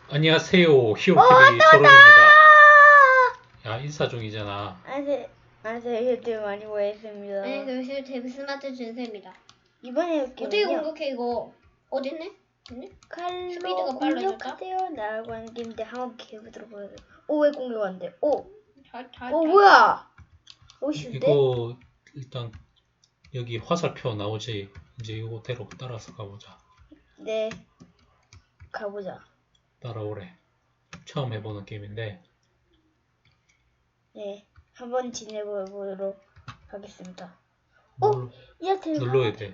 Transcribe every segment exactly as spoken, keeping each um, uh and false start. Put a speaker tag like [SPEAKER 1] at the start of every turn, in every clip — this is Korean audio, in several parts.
[SPEAKER 1] 안녕하세요.
[SPEAKER 2] 어,
[SPEAKER 1] 히오티비
[SPEAKER 2] 왔다,
[SPEAKER 1] 초롱입니다.
[SPEAKER 2] 왔다!
[SPEAKER 1] 야, 인사 중이잖아.
[SPEAKER 2] 안녕하세요. 안녕하세요. 유튜브 많이 보겠습니다.
[SPEAKER 3] 네, 그래서 데브스마트 준세입니다.
[SPEAKER 2] 이번에
[SPEAKER 3] 어떻게
[SPEAKER 2] 게임은요.
[SPEAKER 3] 공격해 이거? 어딨네? 됐네?
[SPEAKER 2] 칼로
[SPEAKER 3] 스피드가 빨라졌다?
[SPEAKER 2] 공격하세요. 나라고 하는 게임인데 한번 해보도록 하겠습니다. 오, 왜 공격 안 돼? 오,
[SPEAKER 3] 잘, 잘,
[SPEAKER 2] 오
[SPEAKER 3] 잘.
[SPEAKER 2] 뭐야? 오, 슈데?
[SPEAKER 1] 이거 일단 여기 화살표 나오지. 이제 이거대로 따라서 가보자.
[SPEAKER 2] 네, 가보자.
[SPEAKER 1] 따라오래. 처음 해보는 게임인데
[SPEAKER 2] 네, 한번 지내보도록 하겠습니다.
[SPEAKER 1] 눌,
[SPEAKER 2] 오, 이한테
[SPEAKER 1] 눌러야 돼.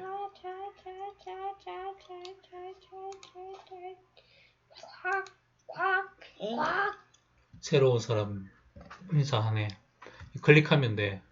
[SPEAKER 3] 콱, 콱,
[SPEAKER 2] 엥?
[SPEAKER 3] 콱.
[SPEAKER 1] 새로운 사람 인사하네. 클릭하면 돼.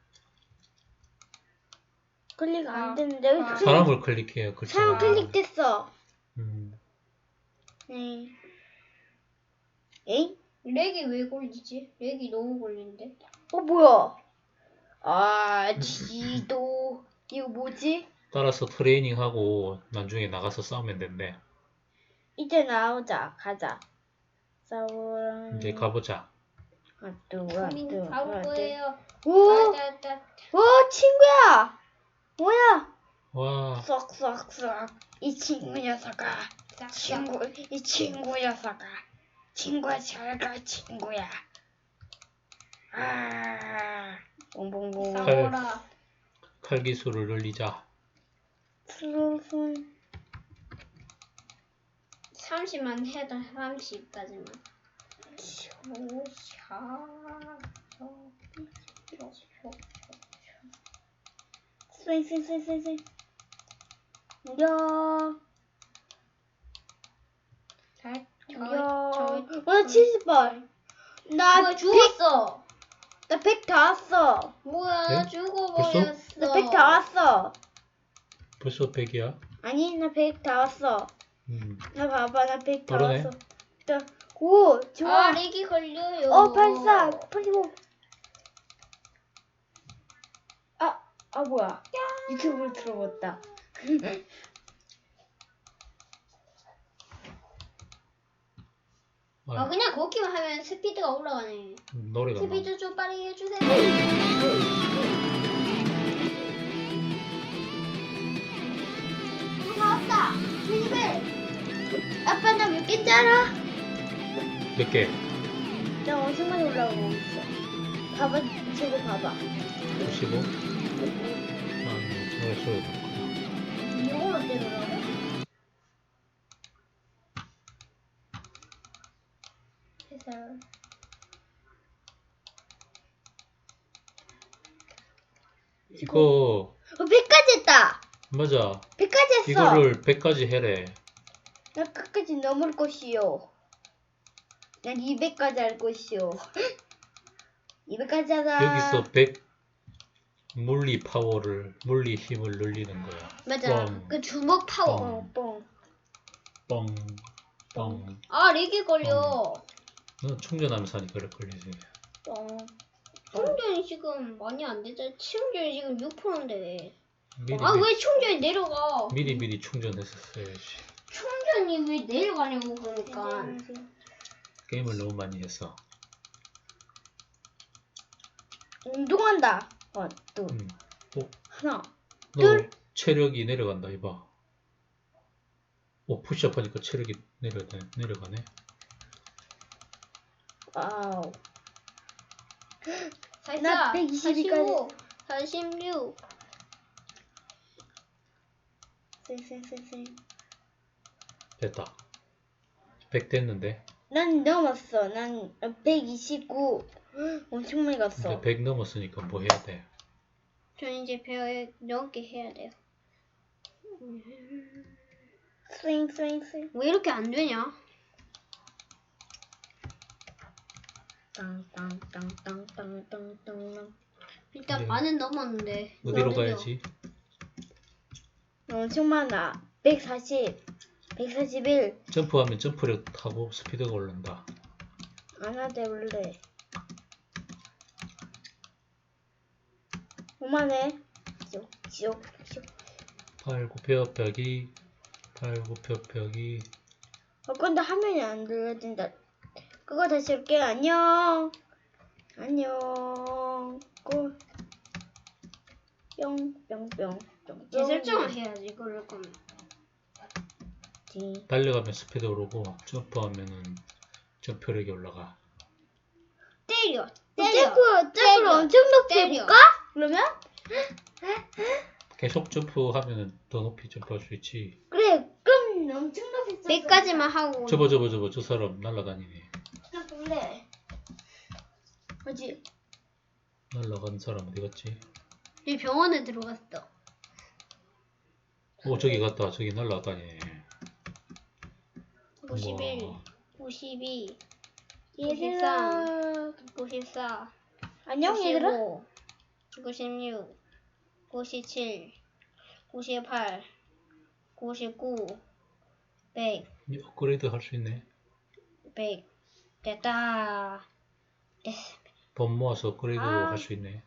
[SPEAKER 2] 클릭 안
[SPEAKER 3] 아,
[SPEAKER 2] 되는데 왜
[SPEAKER 3] 아.
[SPEAKER 2] 클릭?
[SPEAKER 1] 사람을 클릭해요. 그렇죠.
[SPEAKER 2] 사람 클릭됐어.
[SPEAKER 1] 음,
[SPEAKER 2] 네. 에잉?
[SPEAKER 3] 렉이 왜 걸리지? 렉이 너무 걸리는데?
[SPEAKER 2] 어 뭐야? 아 지도 이거 뭐지?
[SPEAKER 1] 따라서 트레이닝하고 나중에 나가서 싸우면 된대.
[SPEAKER 2] 이제 나오자 가자. 싸우라.
[SPEAKER 1] 이제 가보자.
[SPEAKER 2] 하뚜
[SPEAKER 3] 고민
[SPEAKER 2] 하뚜
[SPEAKER 3] 나올
[SPEAKER 2] 하뚜.
[SPEAKER 3] 거예요.
[SPEAKER 2] 오,
[SPEAKER 3] 따따따.
[SPEAKER 2] 오 친구야. 뭐야?
[SPEAKER 1] 와,
[SPEAKER 2] 쏙쏙쏙. 이 친구 녀석아.
[SPEAKER 3] 싹,
[SPEAKER 2] 친구 이 친구 녀석아. 친구야 잘가 친구야. 아. 봉봉봉.
[SPEAKER 1] 칼.
[SPEAKER 3] 싸워라.
[SPEAKER 1] 칼 기술을 늘리자.
[SPEAKER 2] 슬슬.
[SPEAKER 3] 삼십만 해도 삼십까지만.
[SPEAKER 2] 쌩쌩쌩쌩쌩. 야.
[SPEAKER 3] 잘, 저,
[SPEAKER 2] 야.
[SPEAKER 3] 저,
[SPEAKER 2] 나 칠십 발. 나
[SPEAKER 3] 뭐야,
[SPEAKER 2] 백,
[SPEAKER 3] 죽었어.
[SPEAKER 2] 나 백 다 왔어.
[SPEAKER 3] 뭐야,
[SPEAKER 1] 네?
[SPEAKER 3] 나 죽어버렸어.
[SPEAKER 2] 나 백 다 왔어.
[SPEAKER 1] 벌써 백이야?
[SPEAKER 2] 아니, 나 백 다 왔어.
[SPEAKER 1] 음.
[SPEAKER 2] 나 봐봐, 나 백 다
[SPEAKER 1] 그러네.
[SPEAKER 2] 왔어. 나, 오, 좋아.
[SPEAKER 3] 아, 렉이 걸려요.
[SPEAKER 2] 어, 팔십사, 팔십오. 아, 아, 뭐야. 유튜브를 들어봤다.
[SPEAKER 3] 아, 그냥 걷기만 하면 스피드가 올라가네.
[SPEAKER 1] 노래가 나.
[SPEAKER 3] 스피드 좀 빠르게 해주세요.
[SPEAKER 2] 나왔다. 칠십일. 아빠, 나 몇 개인지 알아?
[SPEAKER 1] 몇 개?
[SPEAKER 2] 나 엄청 많이 올라오고 있어. 봐봐, 저거 봐봐.
[SPEAKER 1] 오십오? 아, 노래 소리 듣구나.
[SPEAKER 2] 이걸로 때려라.
[SPEAKER 3] 해설.
[SPEAKER 1] 이거
[SPEAKER 2] 어, 백까지 했다.
[SPEAKER 1] 맞아.
[SPEAKER 2] 백까지 했어.
[SPEAKER 1] 이거를 백까지 해래.
[SPEAKER 2] 나 끝까지 넘을 것이요. 난 이백까지 할 것이요. 이백까지 하자.
[SPEAKER 1] 여기서 백 물리 파워를 물리 힘을 늘리는 거야.
[SPEAKER 3] 맞아.
[SPEAKER 1] 뻥.
[SPEAKER 3] 그 주먹 파워.
[SPEAKER 1] 뻥.
[SPEAKER 2] 뻥, 뻥.
[SPEAKER 1] 뻥. 뻥.
[SPEAKER 3] 아, 렉이 걸려.
[SPEAKER 1] 너 충전하면서 하니까 그래 걸리지.
[SPEAKER 2] 뻥.
[SPEAKER 3] 충전이 지금 많이 안 되잖아. 충전이 지금 육 퍼센트인데.
[SPEAKER 1] 미리
[SPEAKER 3] 아,
[SPEAKER 1] 미리,
[SPEAKER 3] 왜 충전이 내려가?
[SPEAKER 1] 미리 미리 충전했었어야지.
[SPEAKER 3] 충전이 왜 내려가냐고, 그러니까.
[SPEAKER 1] 게임을 너무 많이 했어.
[SPEAKER 2] 운동한다. 어, 또
[SPEAKER 1] 음. 어,
[SPEAKER 2] 하나.
[SPEAKER 1] 너
[SPEAKER 2] 둘.
[SPEAKER 1] 체력이 내려간다 이봐. 오, 푸시업 하니까 체력이 내려가네. 내려가네.
[SPEAKER 2] 와우.
[SPEAKER 3] 살짝.
[SPEAKER 2] 나 백이십이까지.
[SPEAKER 3] 사십육.
[SPEAKER 2] 쌩쌩쌩쌩.
[SPEAKER 1] 됐다. 백 됐는데.
[SPEAKER 2] 난 넘었어. 난 백이십구. 엄청 많이 갔어.
[SPEAKER 1] 이제 백 넘었으니까 뭐 해야 돼?
[SPEAKER 3] 저 이제 백 넘게 해야 돼요.
[SPEAKER 2] 쌩쌩쌩.
[SPEAKER 3] 왜 이렇게 안 되냐?
[SPEAKER 2] 땅땅땅땅땅땅땅.
[SPEAKER 3] 일단
[SPEAKER 1] 네.
[SPEAKER 3] 반은 넘었는데.
[SPEAKER 1] 어디로
[SPEAKER 3] 어디로?
[SPEAKER 1] 가야지?
[SPEAKER 2] 엄청 많아. 백사십. 백사십일.
[SPEAKER 1] 점프하면 점프력 타고 스피드가 오른다.
[SPEAKER 2] 안 하대 원래. 오만해. 쭉, 쭉, 쭉.
[SPEAKER 1] 팔굽혀펴기, 팔굽혀펴기,
[SPEAKER 2] 어, 근데 화면이 안 들려진다. 그거 다시 할게요. 안녕. 안녕. 꿀. 뿅, 뿅, 뿅, 뿅.
[SPEAKER 3] 재설정을 해야지 그럴 거면.
[SPEAKER 2] 지.
[SPEAKER 1] 달려가면 스피드 오르고 점프하면은 점프력이 올라가.
[SPEAKER 3] 때려.
[SPEAKER 2] 점프,
[SPEAKER 3] 때려.
[SPEAKER 2] 점프를
[SPEAKER 3] 때려.
[SPEAKER 2] 엄청 높이
[SPEAKER 3] 때려.
[SPEAKER 2] 해볼까? 그러면?
[SPEAKER 1] 계속 점프하면은 더 높이 점프할 수 있지.
[SPEAKER 2] 그래, 그럼 엄청 높이 점프.
[SPEAKER 3] 백까지만 하고.
[SPEAKER 1] 저거 저거 저거 저 사람 날아다니네.
[SPEAKER 2] 나 볼래. 어디?
[SPEAKER 1] 날아간 사람 어디 갔지?
[SPEAKER 3] 이 병원에 들어갔어.
[SPEAKER 1] 오 저기 갔다. 저기 날아다니네.
[SPEAKER 3] 오십일,
[SPEAKER 1] 우와.
[SPEAKER 3] 오십이,
[SPEAKER 2] 얘들아.
[SPEAKER 3] 오십사,
[SPEAKER 2] 안녕, 얘들아.
[SPEAKER 3] 오십오, 구십육, 구십칠, 구십팔, 구십구, 백,
[SPEAKER 1] 이 업그레이드 할 수 있네.
[SPEAKER 3] 백. 됐다. 됐어.
[SPEAKER 1] 돈 모아서 업그레이드
[SPEAKER 3] 아.
[SPEAKER 1] 할 수 있네.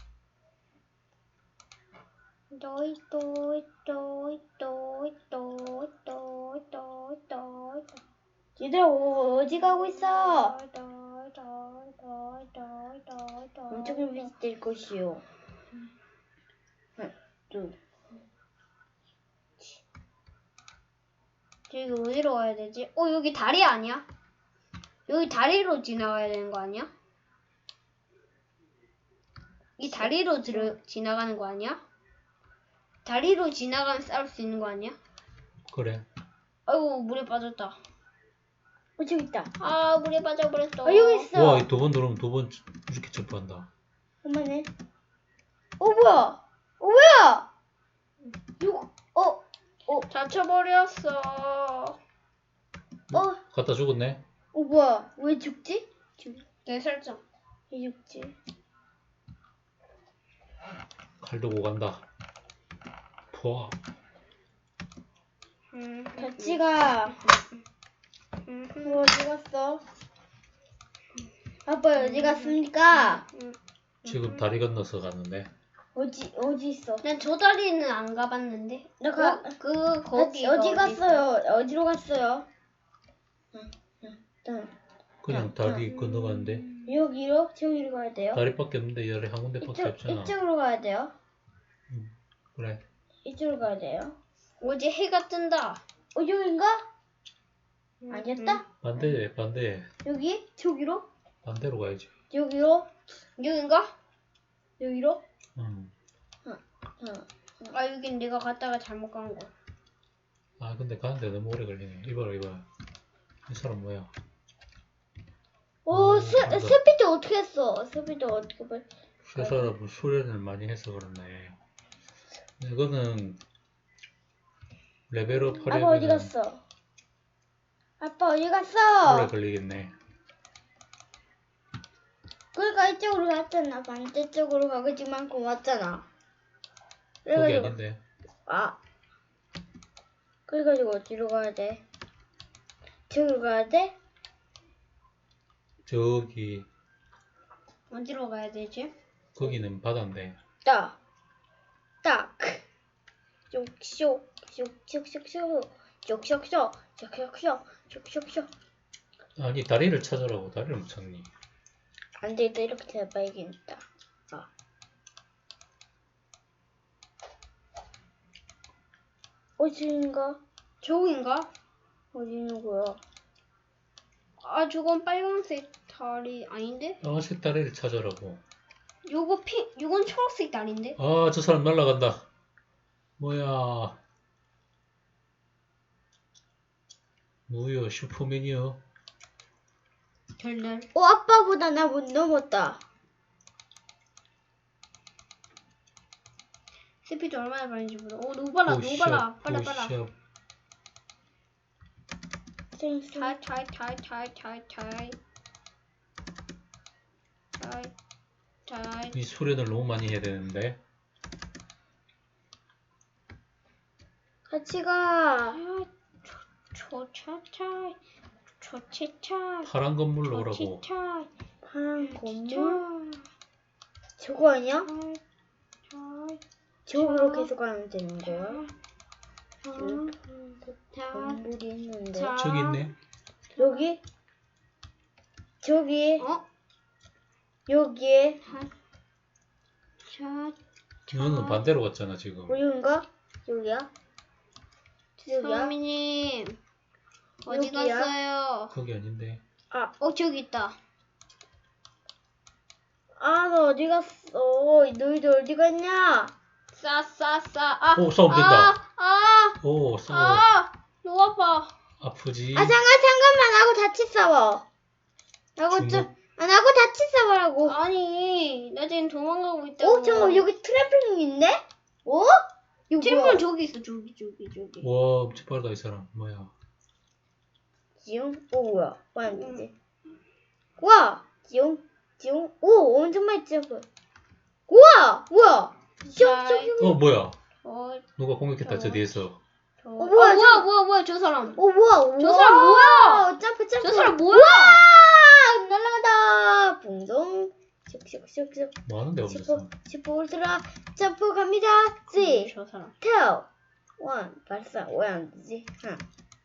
[SPEAKER 3] 또이 또이 또이 또이 또이 또이 또이 또이
[SPEAKER 2] 얘들아, 어, 어디 가고 있어?
[SPEAKER 3] 또이 또이 또이 또이 또이 또이
[SPEAKER 2] 엄청 높이 뛸 것이요. 하나, 둘.
[SPEAKER 3] 저기 어디로 가야 되지? 어 여기 다리 아니야? 여기 다리로 지나가야 되는 거 아니야? 이 다리로 들어, 지나가는 거 아니야? 다리로 지나가면 싸울 수 있는 거 아니야?
[SPEAKER 1] 그래.
[SPEAKER 3] 아이고 물에 빠졌다.
[SPEAKER 2] 어, 저기 있다.
[SPEAKER 3] 아 물에 빠져버렸어.
[SPEAKER 2] 어, 여기 있어.
[SPEAKER 1] 와, 두 번 누르면 두 번 이렇게 점프한다.
[SPEAKER 2] 엄마네. 어, 뭐야? 어, 뭐야? 이거, 어, 어,
[SPEAKER 3] 다쳐버렸어.
[SPEAKER 2] 어,
[SPEAKER 1] 갖다 죽었네.
[SPEAKER 2] 어, 뭐야? 왜 죽지?
[SPEAKER 3] 내 설정.
[SPEAKER 2] 왜 죽지?
[SPEAKER 1] 칼 들고 간다. 포아.
[SPEAKER 3] 음,
[SPEAKER 2] 같이 가.
[SPEAKER 3] 음,
[SPEAKER 2] 뭐 어디 갔어? 아빠 어디 갔습니까?
[SPEAKER 3] 음.
[SPEAKER 1] 지금 다리 건너서 갔는데.
[SPEAKER 2] 어디 어디 있어?
[SPEAKER 3] 난 저 다리는 안 가봤는데.
[SPEAKER 2] 나 가.
[SPEAKER 3] 그, 그 거기
[SPEAKER 2] 어디 갔어요? 어디로 갔어요? 응, 응, 응.
[SPEAKER 1] 그냥 다리 건너가는데.
[SPEAKER 2] 여기로 저기로 가야 돼요.
[SPEAKER 1] 다리밖에 없는데 열에 한 군데밖에
[SPEAKER 2] 이쪽
[SPEAKER 1] 없잖아.
[SPEAKER 2] 이쪽으로 가야 돼요.
[SPEAKER 1] 그래.
[SPEAKER 2] 이쪽으로 가야 돼요.
[SPEAKER 3] 어제 해가 뜬다.
[SPEAKER 2] 어 여긴가?
[SPEAKER 3] 음,
[SPEAKER 2] 아니었다?
[SPEAKER 1] 반대, 반대.
[SPEAKER 2] 여기? 저기로?
[SPEAKER 1] 반대로 가야지.
[SPEAKER 2] 여기로?
[SPEAKER 3] 음. 여긴가?
[SPEAKER 2] 여기로?
[SPEAKER 1] 응.
[SPEAKER 2] 응.
[SPEAKER 3] 아 여긴 내가 갔다가 잘못 간 거.
[SPEAKER 1] 아, 근데 가는데 너무 오래 걸리네. 이봐라, 이봐. 이 사람 뭐야?
[SPEAKER 2] 오,
[SPEAKER 1] 어,
[SPEAKER 2] 스,
[SPEAKER 1] 간다.
[SPEAKER 2] 스피드 어떻게 했어? 스피드 어떻게 봐?
[SPEAKER 1] 저 사람은 수련을 많이 해서 그렇네. 이거는 레벨업
[SPEAKER 2] 아빠 어디
[SPEAKER 1] 하려면
[SPEAKER 2] 갔어? 아빠 어디
[SPEAKER 1] 오래
[SPEAKER 2] 갔어?
[SPEAKER 1] 걸리겠네.
[SPEAKER 2] 그러니까 이쪽으로 갔잖아. 반대쪽으로 가지만 고맙잖아.
[SPEAKER 1] 거기
[SPEAKER 2] 그래가지고
[SPEAKER 1] 아닌데.
[SPEAKER 2] 아 그래가지고 어디로 가야 돼? 저기로 가야 돼?
[SPEAKER 1] 저기,
[SPEAKER 3] 어디로 가야 되지?
[SPEAKER 1] 거기는 바다인데.
[SPEAKER 2] 딱, 딱, 쇽쇽, 쇽쇽쇽, 쇽쇽쇽, 쇽쇽쇽, 쇽쇽쇽.
[SPEAKER 1] 아니, 다리를 찾으라고. 다리를 못 찾니?
[SPEAKER 2] 안 되겠다. 이렇게 해봐야겠다. 아. 어디인가?
[SPEAKER 3] 저긴가?
[SPEAKER 2] 어디 있는 거야?
[SPEAKER 3] 아 저건 빨간색 다리 아닌데?
[SPEAKER 1] 까만색 다리를 찾으라고.
[SPEAKER 3] 요거 피, 요건 초록색 다리인데?
[SPEAKER 1] 아, 저 사람 날아간다. 뭐야. 뭐야, 슈퍼맨이요.
[SPEAKER 3] 별날.
[SPEAKER 2] 어, 아빠보다 나 못 넘었다.
[SPEAKER 3] 스피드 얼마나 빠른지 보자. 오 너무 빨라, 너무 빨라, 빨라, 빨라.
[SPEAKER 1] 푸시업.
[SPEAKER 2] 쌩쌩.
[SPEAKER 3] 타이, 타이, 타이, 타이, 타이, 타이. 타이, 타이.
[SPEAKER 1] 이 수련을 너무 많이 해야 되는데.
[SPEAKER 2] 같이 가.
[SPEAKER 3] 아, 초, 초, 차, 차. 초치차.
[SPEAKER 1] 파란 건물로 오라고.
[SPEAKER 3] 초치차.
[SPEAKER 2] 파란 건물?
[SPEAKER 3] 차.
[SPEAKER 2] 저거 아니야?
[SPEAKER 3] 차.
[SPEAKER 2] 저기로 계속 가면 되는 거야?
[SPEAKER 3] 자,
[SPEAKER 2] 건물이 있는데.
[SPEAKER 3] 자.
[SPEAKER 1] 저기 있네.
[SPEAKER 2] 여기? 저기?
[SPEAKER 3] 어?
[SPEAKER 2] 여기에?
[SPEAKER 3] 자,
[SPEAKER 1] 너는 반대로 갔잖아 지금.
[SPEAKER 2] 여긴가? 여기야? 여기야?
[SPEAKER 3] 서민님 어디
[SPEAKER 2] 여기야?
[SPEAKER 3] 갔어요?
[SPEAKER 1] 거기 아닌데.
[SPEAKER 2] 아,
[SPEAKER 3] 어 저기 있다.
[SPEAKER 2] 아, 너 어디 갔어? 너희들 어디 갔냐?
[SPEAKER 3] 싸싸싸. 아,
[SPEAKER 1] 오, 싸움 된다.
[SPEAKER 3] 아, 아,
[SPEAKER 1] 오, 싸워.
[SPEAKER 3] 아, 너무 아파.
[SPEAKER 1] 아프지?
[SPEAKER 2] 아, 잠깐, 잠깐만. 나하고 같이 싸워. 나하고
[SPEAKER 1] 중국-
[SPEAKER 2] 좀, 아, 나하고 같이 싸우라고.
[SPEAKER 3] 아니, 나 지금 도망가고 있다고.
[SPEAKER 2] 오, 잠깐, 여기 트래플링 있네? 어? 이거
[SPEAKER 3] 팀은
[SPEAKER 2] 뭐야?
[SPEAKER 3] 저기 있어, 저기, 저기, 저기.
[SPEAKER 1] 와, 엄청 빠르다 이 사람. 뭐야?
[SPEAKER 2] 지용? 오, 뭐야? 뭐야, 이제. 와! 지용? 지용? 오, 엄청 많이 점프. 우와! 뭐야?
[SPEAKER 3] 자,
[SPEAKER 2] 슉슉슉.
[SPEAKER 1] 어, 뭐야?
[SPEAKER 3] 어,
[SPEAKER 1] 누가 공격했다 저
[SPEAKER 3] 어.
[SPEAKER 1] 뒤에서.
[SPEAKER 3] 저...
[SPEAKER 2] 어,
[SPEAKER 3] 어,
[SPEAKER 2] 뭐야,
[SPEAKER 3] 뭐야,
[SPEAKER 2] 저-
[SPEAKER 3] 뭐야, 뭐야, 저 사람.
[SPEAKER 2] 오, 뭐야?
[SPEAKER 3] 저 사람 뭐야?
[SPEAKER 2] 점프, 점프.
[SPEAKER 3] 저 사람 뭐야?
[SPEAKER 2] 와! 날아간다. 붕동. 슉슉슉슉.
[SPEAKER 1] 뭐 하는데
[SPEAKER 2] 슈퍼,
[SPEAKER 1] 없었어.
[SPEAKER 2] 슈퍼 울트라 점프 갑니다. 쓰리,
[SPEAKER 3] 저 사람.
[SPEAKER 2] 투, 원. 발사. 왜 안 되지? 하나.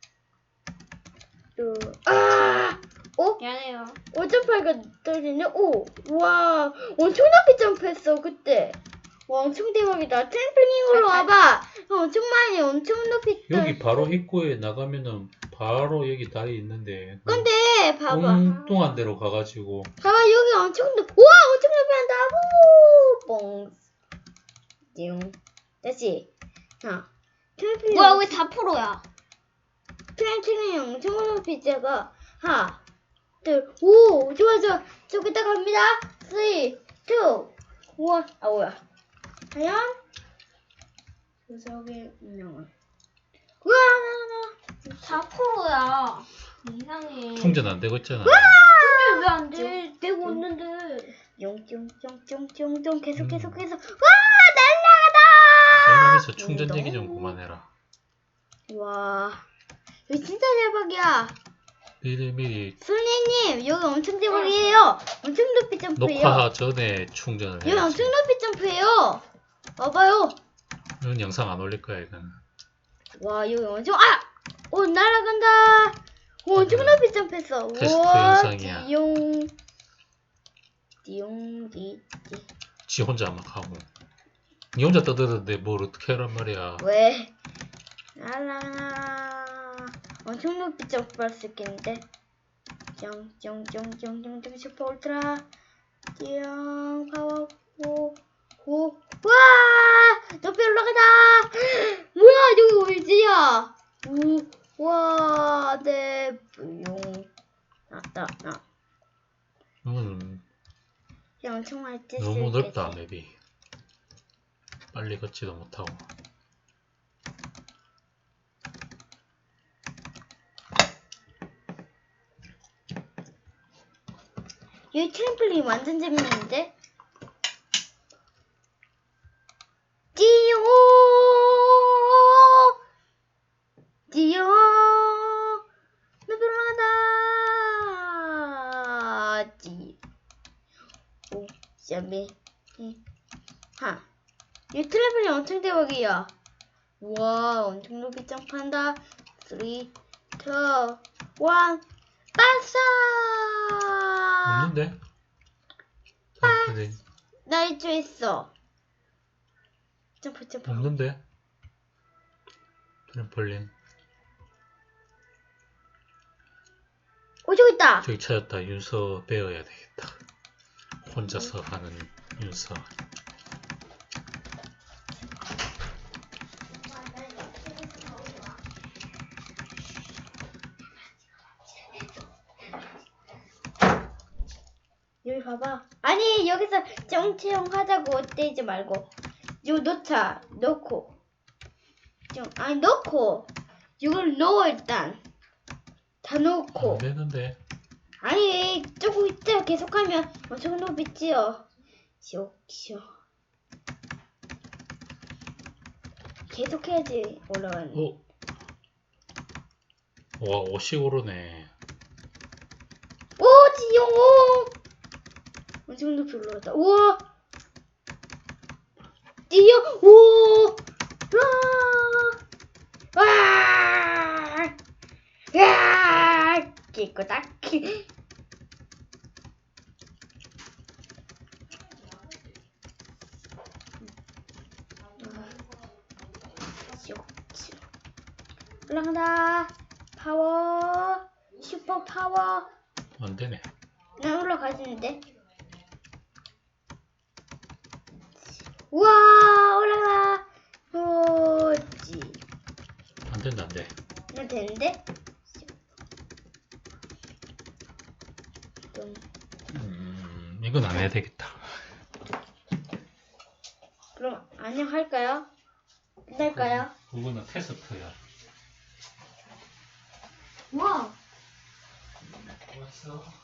[SPEAKER 2] 둘. 아! 오?
[SPEAKER 3] 미안해요.
[SPEAKER 2] 오 점프하니까 떨어지네. 오! 와! 엄청 높이 점프했어, 그때. 와, 엄청 대박이다. 트램플링으로
[SPEAKER 3] 잘, 잘.
[SPEAKER 2] 와봐. 어, 엄청 많이, 엄청 높이 떨
[SPEAKER 1] 여기 바로 입구에 나가면은 바로 여기 다리 있는데.
[SPEAKER 2] 근데, 봐봐.
[SPEAKER 1] 엉뚱한 데로 가가지고.
[SPEAKER 2] 봐봐, 여기 엄청 높, 우와! 엄청 높이 한다. 우! 뽕. 띵. 다시. 자. 트램플링.
[SPEAKER 3] 뭐야, 왜 다 프로야?
[SPEAKER 2] 트램플링 엄청 높이 제가. 하나, 둘, 오! 좋아, 좋아. 저기다 갑니다. 쓰리, 투, 원. 아, 뭐야. 과연? 구석의 운명은. 우와, 나,
[SPEAKER 3] 다 프로야. 이상해.
[SPEAKER 1] 충전 안 되고 있잖아.
[SPEAKER 3] 근데 왜 안 돼? 되고 있는데.
[SPEAKER 2] 뿅뿅뿅뿅뿅뿅 계속
[SPEAKER 1] 음.
[SPEAKER 2] 계속 계속. 와, 날라가다!
[SPEAKER 1] 게임하면서 충전 얘기 좀 그만해라.
[SPEAKER 2] 와, 이거 진짜 대박이야.
[SPEAKER 1] 미리미리
[SPEAKER 2] 솔리님, 여기 엄청 대박이에요. 엄청 높이 점프해요.
[SPEAKER 1] 녹화 전에 충전을
[SPEAKER 2] 여기
[SPEAKER 1] 해야지.
[SPEAKER 2] 엄청 높이 점프해요. 봐봐요.
[SPEAKER 1] 이건 영상 안 올릴 거야 이건.
[SPEAKER 2] 와, 여기 엄청, 아! 오, 날아간다. 오, 엄청 높이 점프했어.
[SPEAKER 1] 테스트
[SPEAKER 2] 우와,
[SPEAKER 1] 영상이야.
[SPEAKER 2] 띠용. 띠용, 띠, 띠.
[SPEAKER 1] 지 혼자 막 하고. 니 혼자 떠드는데 뭘 어떻게 하란 말이야.
[SPEAKER 2] 왜? 라라. 엄청 높이 점프할 수 있겠는데? 쫑쫑쫑쫑쫑쫑 슈퍼 울트라. 띵, 파워, 호, 호. 와! 높이 올라가다! 뭐야, 여기 어디야? 우, 와, 네, 용. 나다, 나.
[SPEAKER 1] 음,
[SPEAKER 2] 야, 엄청 많이 뛸수
[SPEAKER 1] 너무
[SPEAKER 2] 있겠지.
[SPEAKER 1] 넓다 맵이. 빨리 걷지도 못하고.
[SPEAKER 2] 여기 트램플린 완전 재밌는데? 띠용! 띠용! 높이 올라간다! 띠. 오, 샤미. 하. 이 트램플린 엄청 대박이야. 우와, 엄청 높이 점프한다. 쓰리, 이, 일. 발사!
[SPEAKER 1] 없는데? 아, 근데
[SPEAKER 2] 나 이쪽에 있어. 점프, 점프.
[SPEAKER 1] 없는데? 트램펄린.
[SPEAKER 2] 오, 저기 있다.
[SPEAKER 1] 저기 찾았다. 윤서 배워야 되겠다. 혼자서 하는 윤서.
[SPEAKER 2] 여기 봐봐. 아니, 여기서 정체형 하자고 떼지 말고. 이거 넣자. 넣고. 좀, 아니, 넣고. 이걸 넣어, 일단. 다 넣고.
[SPEAKER 1] 안 되는데.
[SPEAKER 2] 아니, 조금 있다 계속하면 엄청 높이지요. 쇼쇼. 계속해야지 올라가는.
[SPEAKER 1] 어? 와, 옷이 오르네.
[SPEAKER 2] 오, 지용, 오! 엄청 높이 올라갔다. 우와! 지용, 오! 와! 아, 딱히 있고 딱히. 올라간다. 파워. 슈퍼 파워.
[SPEAKER 1] 안 되네.
[SPEAKER 2] 난 올라가지는데. 우와 올라가. 뭐지?
[SPEAKER 1] 안 된다, 안 돼.
[SPEAKER 2] 나 되는데? 좀.
[SPEAKER 1] 음, 이건 안 해야 되겠다.
[SPEAKER 2] 그럼 안녕할까요? 끝날까요?
[SPEAKER 1] 그거는 테스트야.
[SPEAKER 2] 우와.
[SPEAKER 1] 왔어.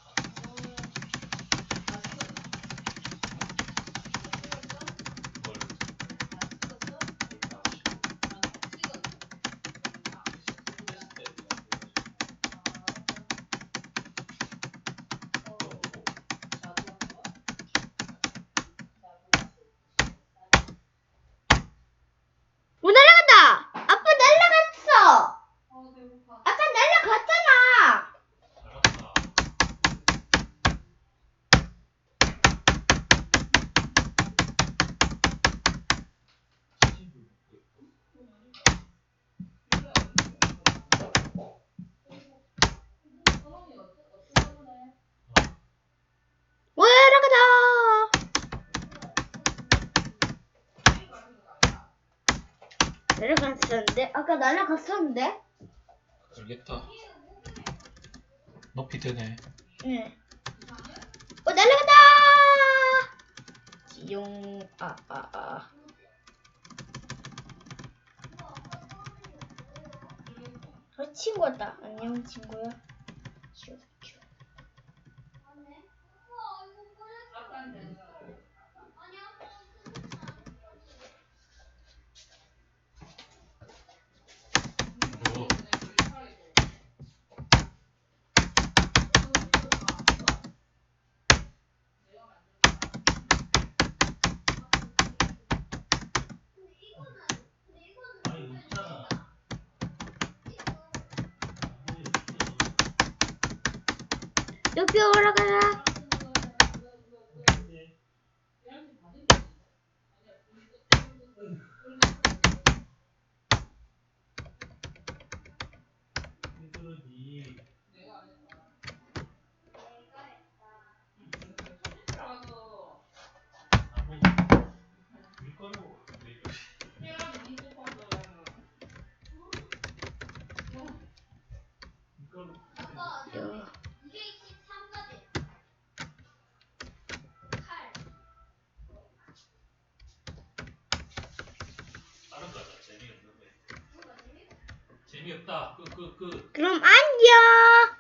[SPEAKER 2] 오 날아간다. 아빠 날아갔어. 아까 날아갔잖아. 오 날아가다. 날아갔었는데 아까 날아갔었는데.
[SPEAKER 1] 알겠다. 높이 되네.
[SPEAKER 2] 응. 오 날아간다. 지용 아아 아. 아. 어, 친구 왔다. 안녕 친구야. 슈, 슈.
[SPEAKER 1] 뭐,
[SPEAKER 2] 높이 올라가라. 요.
[SPEAKER 1] 재미없다. 끄, 끄, 끄.
[SPEAKER 2] 그럼 안녕.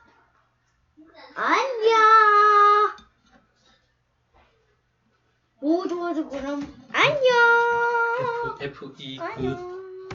[SPEAKER 2] 안녕. 오 좋아 좋아 그럼 안녕.
[SPEAKER 1] F, F, E, 그.
[SPEAKER 2] 안녕.